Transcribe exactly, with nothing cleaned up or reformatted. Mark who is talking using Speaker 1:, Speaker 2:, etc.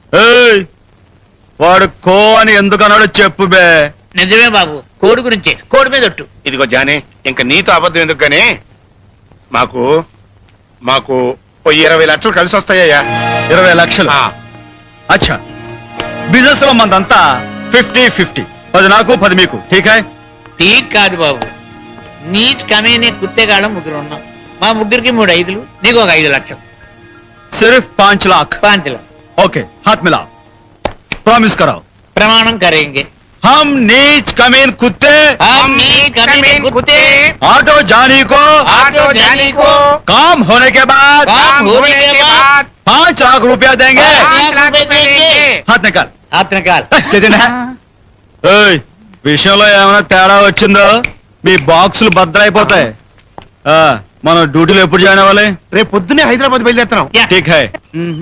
Speaker 1: ఏయ్, వాడు కో అని ఎందుకన్నాడో చెప్పు బే.
Speaker 2: నిజమే బాబు, కోడి గురించి, కోడి మీద ఒట్టు.
Speaker 3: ఇదిగో జానీ, ఇంక నీతో అబద్ధం ఎందుకు గానీ మాకు మాకు ఓ ఇరవై లక్షలు కలిసి వస్తాయ్యా.
Speaker 1: ఇరవై లక్షలు
Speaker 3: ఆ,
Speaker 1: అచ్చా, బిజినెస్ లో మందంతా ఫిఫ్టీ ఫిఫ్టీ, పది నాకు పది మీకు. ఠీక్ హై?
Speaker 2: ఠీక్ కాదు బాబు, నీచ్ కమేనే కుత్తేగాళ్ళం ముగ్గురు ఉన్నాం. మా ముగ్గురికి మూడు ఐదులు, నీకు ఒక ఐదు లక్షలు.
Speaker 1: సిర్ఫ్ పాంచ్ లాఖ్.
Speaker 2: పాంతిలో
Speaker 1: ఓకే, హాత్ మిలా, ప్రామిస్ कराओ.
Speaker 2: ప్రమాణం కరేంగే.
Speaker 1: हम नीच कमीन कुत्ते
Speaker 2: हम नीच कमीने कुत्ते
Speaker 1: ऑटो जानी को
Speaker 2: ऑटो जानी को
Speaker 1: काम होने के बाद
Speaker 2: काम होने के बाद
Speaker 1: पाँच लाख रुपया देंगे.
Speaker 2: पाँच लाख रुपए देंगे.
Speaker 1: हाथ निकाल.
Speaker 2: हाथ निकाल.
Speaker 1: ఏయ్, విషయంలో ఏమైనా తేడా వచ్చిందో మీ బాక్సులు బద్దలైపోతాయి. ఆ, మనం డ్యూటీలో ఎప్పుడు జాయిన్ అవ్వాలి?
Speaker 3: రేపు పొద్దునే హైదరాబాద్ బయలుదేరుతున్నాం.
Speaker 2: యా.
Speaker 1: ఠీక్ హై.